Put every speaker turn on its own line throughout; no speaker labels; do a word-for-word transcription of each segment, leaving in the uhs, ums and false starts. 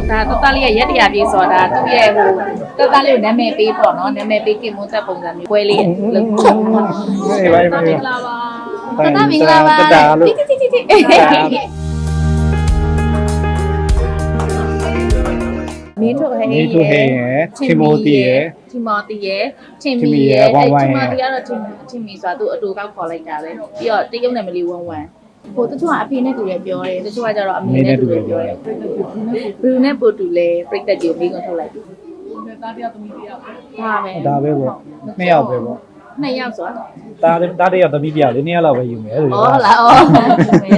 ဒါတော်တော်လေးရရက်တရားပြေးဆိုတာသူ့ရဲ့ဟိုတော်တော်လေးကိုနာမည်ပေးပေါ့နော်နာမည်ပေးကင်မွန်းသက်ပုံစံမျိုးပွဲလေးလို့
အေးပါအေးပါ
မင်္ဂလာပါတတမင်္ဂလာပါတိတိတိတိမင်းတို့ဟဲ့
မင်းတို့ဟဲ့ရယ်တီမိုတီရယ်
တီမိုတီရယ်တင်မီရယ်အဲတီမိုတီကတော့တင်တင်မီဆိုတာသူ့အတူကောက်ခေါ်လိုက်တာပဲပြီးတော့တရုတ်နယ်မလီဝမ်ဝမ်ဟိုတချို့ကအဖေနဲ့တူတယ်ပြောတယ်တချို့ကကျတော့အမေနဲ့တူတယ်ပြောတယ်ဘလူးနဲ့ပိုတူလဲပြိတ္တကြီးကိုမိကုန်ထုတ်လိုက်ပြီသားတယောက်သမီးတယောက်ဒါပဲ
ဒါပဲပေါ့နှစ်ယောက်ပဲပေါ့
နှစ်ယောက်ဆိုတာ
ဒါဒါတယောက်သမီးတယောက်လေးနှစ်ယောက်လောက်ပဲယူမယ်လို့
ဩဟုတ်လားဩမဲ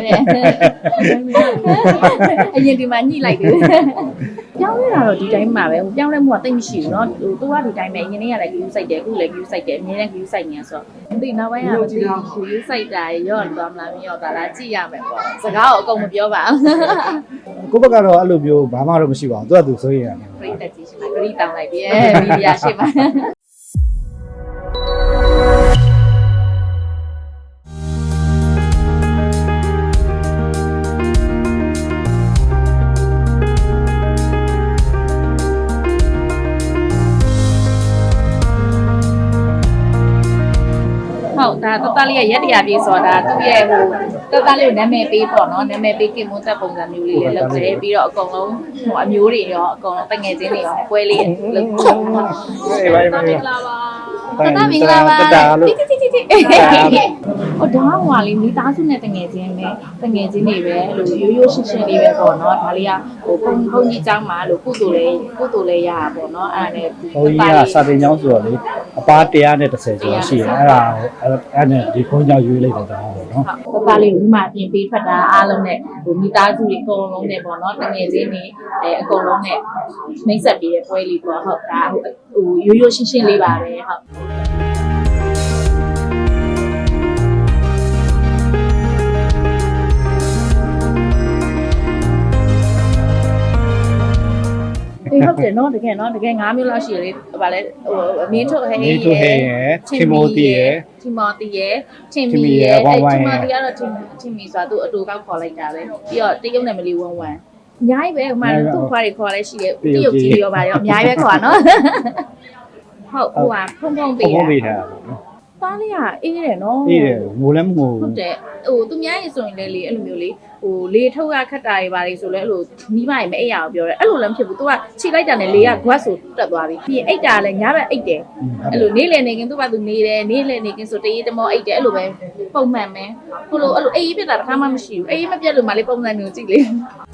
တဲ့အရင်ဒီမှာညှိလိုက်တယ်ပြောင်းလဲတာတော့ဒီတိုင်းမှာပဲဟိုပြောင်းလဲမှုကတိတ်မရှိဘူးเนาะဟိုသူကဒီတိုင်းပဲအရင်နေ့ကလည်း view site တယ်အခုလည်း view site တယ်အမြဲတမ်း view site နေဆိုတော့မသိနောက်ပိုင်းကမသိ view site တာရော့သွားမလားမရော့သွားလားကြည့်ရမယ်ပေါ့စကားကိုအကုန်မပြောပါဘူး
ကိုဘက်ကတော့အဲ့လိုမျိုးဘာမှတော့မရှိပါဘူးသူကသူဆိုရင်ရတယ်
ပြိတ္တကြီးရှိမှာဂရီတောင်းလိုက်ပြီမီဒီယာရှိမှာဟုတ်ဒါတော်တော်လေးရရက်တရားပြေးဆိုတာသူ့ရဲ့ဟိုတော်တော်လေးကိုနာမည်ပေးပေါ့နော်နာမည်ပေးကင်မွန်းသက်ပုံစံမျိုးလေးလေးလုပ်တယ်ပြီးတော့အကုန်လုံးဟိုအမျိုးတွေရောအကုန်လုံးတငယ်ချင်းတွေရောပွဲလေးလုပ်
အေးပါအေးပါ
မင်္ဂလာပါတတမင်္ဂလာပါတိတိတိတိဟိုဒါဟွာလေးမိသားစုနဲ့တငယ်ချင်းပဲတငယ်ချင်းတွေပဲအဲ့လိုရိုးရိုးရှင်းရှင်းလေးပဲပေါ့နော်ဒါလေးကဟိုဘုံဘုံကြီးเจ้าမှာလို့ကုသိုလ်လေးကုသိုလ်လေးရတာပေါ့နော်အဲ့ဒါနဲ့
ဘုန်းကြီးကစာသင်ကျောင်းဆိုတော့လေအပါone hundred tenကျော်ရှိတယ်အဲ့ဒါအဲ့နဲ့ဒီဘုန်းကြီးရွေးလိုက်တာပေါ့နော်
ဟုတ်ပါလေးဒီမှာပြင်ပေးထွက်တာအားလုံးနဲ့ဟိုမိသားစုတွေအကုန်လုံးနဲ့ပေါ့နော်တငယ်ချင်းတွေအဲအကုန်လုံးနဲ့နှိမ့်ဆက်ပေးတဲ့ပွဲလေးပေါ့ဟုတ်ဒါဟိုဟိုရိုးရိုးရှင်းရှင်းလေးပါပဲဟုတ်အေးဟုတ်တယ်နော်တကယ်နော်တကယ်၅မျိုးလောက်ရှိတယ်လေဗာလဲဟိုမင်းတို့ဟဲ့
မင်းတို့ဟဲ့ရယ်တီမိုတီရယ်
တီမိုတီရယ်တင်မီရယ်အဲတီမိုတီကတော့တင်တင်မီဆိုတာသူ့အတူကောက်ခေါ်လိုက်တာပဲပြီးတော့တရုတ်နယ်မလီဝမ်ဝမ်အများကြီးပဲဟိုမှာသူ့ခွားတွေခေါ်လဲရှိတယ်တရုတ်ကြီးရောပါရောအများကြီးပဲခေါ်နော်ဟုတ်ဟိုကဖုံဖုံပေးတာ
ဖုံဖုံပေးထား
တားလေးကအေးတယ်နော်
အေးတယ်ငိုလည်းမငို
ဟုတ်တယ်ဟိုသူများရေဆိုရင်လည်းလေအဲ့လိုမျိုးလေဟိုလေထုတ်ရခက်တာတွေပါလေဆိုလဲအဲ့လိုမိမရေမအိပ်ရအောင်ပြောတယ်အဲ့လိုလည်းမဖြစ်ဘူး तू ကခြိလိုက်တာနဲ့လေက guat ဆိုတက်သွားပြီပြီးရင်အိပ်တာလည်းညဘက်အိပ်တယ်အဲ့လိုနေလေနေခင်သူ့ဘာသူနေတယ်နေလေနေခင်ဆိုတရေတမောအိပ်တယ်အဲ့လိုပဲပုံမှန်ပဲဟိုလိုအဲ့လိုအေးပြစ်တာတစ်ခါမှမရှိဘူးအေးမပြတ်လို့မှလေပုံစံမျိုးကြည့်လေ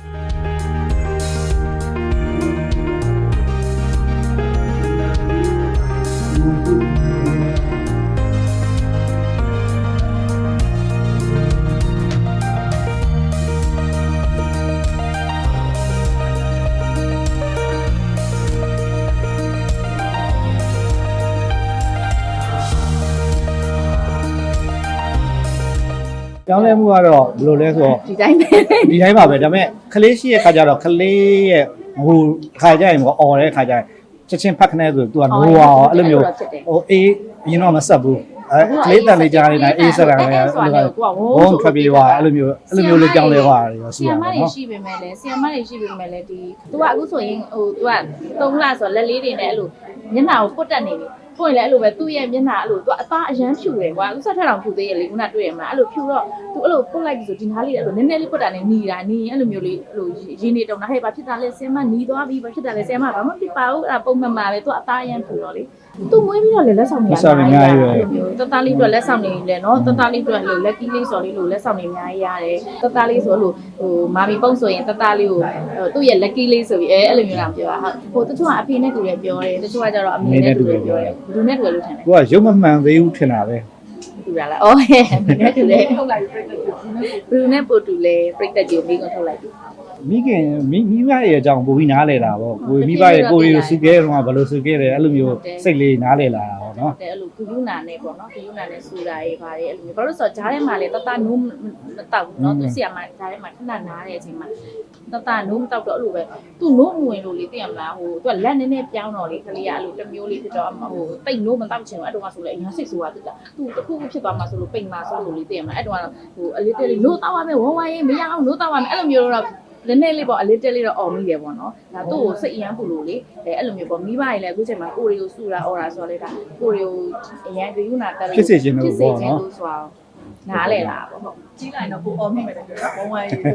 ကျောင်းလဲမှုကတော့ဘယ်လိုလဲဆိုတော့
ဒီတိုင်းပဲ
ဒီတိုင်းပါပဲဒါပေမဲ့ခလေးရှိရဲ့ခါကျတော့ခလေးရဲ့ဟိုခါကြရင်ပေါ့អော်တဲ့ခါကျရင်ချက်ချင်းဖတ်ခနဲ့ဆိုသူကငိုအောင်အဲ့လိုမျိုးဟိုအေးအရင်တော့မဆက်ဘူးအဲကလေးတန်လေးကြားနေတာအေးဆက်တာလည်းအဲ့လိုကဘုံထွက်ပြေးသွားအဲ့လိုမျိုးအဲ့လိုမျိုးလေးကြောင်းလဲသွားတယ်ရောရှိရမှာနော်
ဆီယမ်မတွေရှိပေမဲ့လည်းဆီယမ်မတွေရှိပေမဲ့လည်းဒီ तू ကအခုဆိုရင်ဟို तू ကသုံးလဆိုလက်လေးတွေနဲ့အဲ့လိုမျက်နှာကိုပုတ်တက်နေပြီဖွင့်လဲအဲ့လိုပဲသူ့ရဲ့မျက်နှာအဲ့လို तू အသားအရန်ဖြူတယ်ကွာသူဆက်ထက်တောင်ဖြူသေးရဲ့လေခုနတွေ့ရမှာအဲ့လိုဖြူတော့ तू အဲ့လိုပုတ်လိုက်ပြီဆိုဒီနားလေးအဲ့လိုနည်းနည်းလေးပုတ်တာနဲ့หนีတာหนีအဲ့လိုမျိုးလေးအဲ့လိုရင်းနေတုံတာဟဲ့ဘာဖြစ်တာလဲဆီယမ်မหนีသွားပြီဘာဖြစ်တာလဲဆီယမ်မဘာမှဖြစ်ပါဘူးအဲ့ဒါပုံမှန်ပါပဲ तू အသားအရန်ဖြူတော့လေသူမွေးပြီးတော့လေလက်ဆောင်တွေအများကြီးရတယ်တတလေးအတွက်လက်ဆောင်တွေလည်းနော်တတလေးအတွက်လို့ lucky လေးဆိုလေးလို့လက်ဆောင်တွေအများကြီးရတယ်တတလေးဆိုလို့ဟိုမာမီပုံဆိုရင်တတလေးကိုသူ့ရဲ့ lucky လေးဆိုပြီးအဲအဲ့လိုမျိုးလာပြောတာဟုတ်ဟိုတချို့ကအဖေနဲ့တူတယ်ပြောတယ်တချို့ကကျတော့အမေနဲ့တူတယ်ပြောတယ်ဘယ်သူနဲ့တူတယ်လို့ထင်လဲ
သူကရုပ်မမှန်သေးဘူးထင်တာပဲ
တူရလားအော်ဟဲ့အမေနဲ့တူတယ်ထုတ်လိုက်ပြီပြိတ္တကြီးဘယ်သူနဲ့ပို့တူလဲပြိတ္တကြီးကိုမိကုန်ထုတ်လိုက်ပြီ
မိခင်မိမိဘရဲ့အကြောင်းပိုပြီးနားလဲတာပေါ့ကိုမိဘရဲ့ကိုရီကိုစုခဲ့တော့ဘယ်လိုစုခဲ့တယ်အဲ့လိုမျိုးစိတ်လေးနားလဲလာတာပေါ့နော်
တဲ့အဲ့လိုဂယူနာနဲ့ပေါ့နော်ဂယူနာနဲ့စူတာရေးပါတယ်အဲ့လိုမျိုးဘာလို့ဆိုတော့ဂျားထဲမှာလေတတနိုးမတောက်ဘူးနော်သူဆီကမှဂျားထဲမှာခဏနားတဲ့အချိန်မှာတတနိုးမတောက်တော့အဲ့လိုပဲသူနိုးမဝင်လို့လေသိရမလားဟိုသူကလက်နည်းနည်းပြောင်းတော့လေကလေးကအဲ့လိုတစ်မျိုးလေးဖြစ်တော့ဟိုပိတ်နိုးမတောက်ချင်ဘူးအဲ့တော့ကဆိုလေအရင်စိတ်ဆိုးတာသူကသူတခုခုဖြစ်သွားမှာဆိုလို့ပိတ်မှာဆိုလို့လေသိရမလားအဲ့တော့ဟိုအလေးတလေးနိုးတောက်ရမယ်ဝဝရေးမရအောင်နိုးတောက်ရမယ်အဲ့လိုမျိုးတော့နည်းနည်းလေးပေါ့အလေးတက်လေးတော့အော်မိတယ်ပေါ့နော်ဒါသူ့ကိုစိတ်အရမ်းပူလို့လေအဲအဲ့လိုမျိုးပေါ့မိဘကြီးလည်းအခုချိန်မှာကိုရီကိုစုတာအော်တာဆိုတော့လေဒါကိုရီကိုအရန်ဂရုဏာတက်လို့ဖြစ်စေခြင်းလို့ဆိုတော့နားလေလားပေါ့ဟုတ်ကြီးလိုက်တော့ကိုအော်မိမယ်တဲ့ပြောတာဘုံဝိုင်းရေး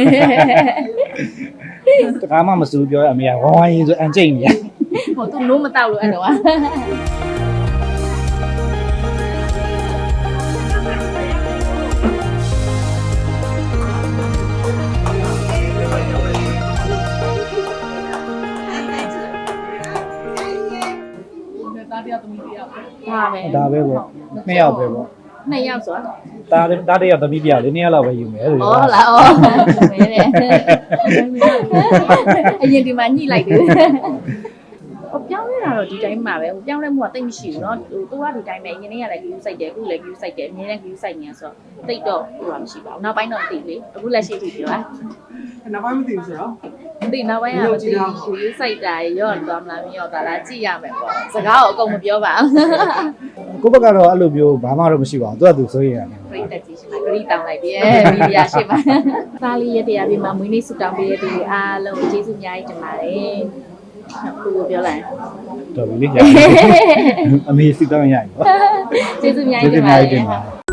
တကားမှမစူးပြောရအမေကဝိုင်းရေးဆိုအန်ကျိတ်နေရ
ဟိုသူနိုးမတောက်လို့အဲ့တော့ဒါပဲ
ဒါပဲပေါ့နှစ်ယောက်ပဲပေါ့
နှစ်ယောက်ဆိုတာ
ဒါဒါတယောက်သမီးပြလေးနှစ်ယောက်လောက်ပဲယူမယ်လို့
ဟုတ်လားဩမဲတဲ့အရင်ဒီမှာညှိလိုက်တယ်ဟိုပြောင်းနေတာတော့ဒီတိုင်းမှာပဲဟိုပြောင်းလဲမှုကတိတ်မရှိဘူးเนาะဟိုသူကဒီတိုင်းပဲအရင်နေ့ကလည်း view စိုက်တယ်အခုလည်း view စိုက်တယ်အမြဲတမ်း view စိုက်နေရဆိုတော့တိတ်တော့ဟိုကမရှိပါဘူးနောက်ပိုင်းတော့မသိလေအခုလက်ရှိထိပြောတာ
နောက်ပိုင်းမသိဘူးဆိုတော့
မသိနောက်ပိုင်းကမသိ view စိုက်တာရော့သွားမလားမရော့သွားလားကြည့်ရမယ်ပေါ့စကားကိုအကုန်မပြောပါ
ဘူးကိုဘက်ကတော့အဲ့လိုမျိုးဘာမှတော့မရှိပါဘူးသူကသူဆိုရင်ရတယ်
ပြိတက်ကြီးရှိမှာဂရီတောင်းလိုက်ပြီမီဒီယာရှိမှာသားလေးရတရားပြမှာမွေးနေ့ဆူတောင်းပေးတဲ့သူအားလုံးကျေးဇူးအများကြီးတင်ပါတယ်ကိုကိုပြောလိုက်
တော်ပြီလေအမေစစ်တောင်းရပြီ
ကျေးဇူးအများကြီးတင်ပါတယ်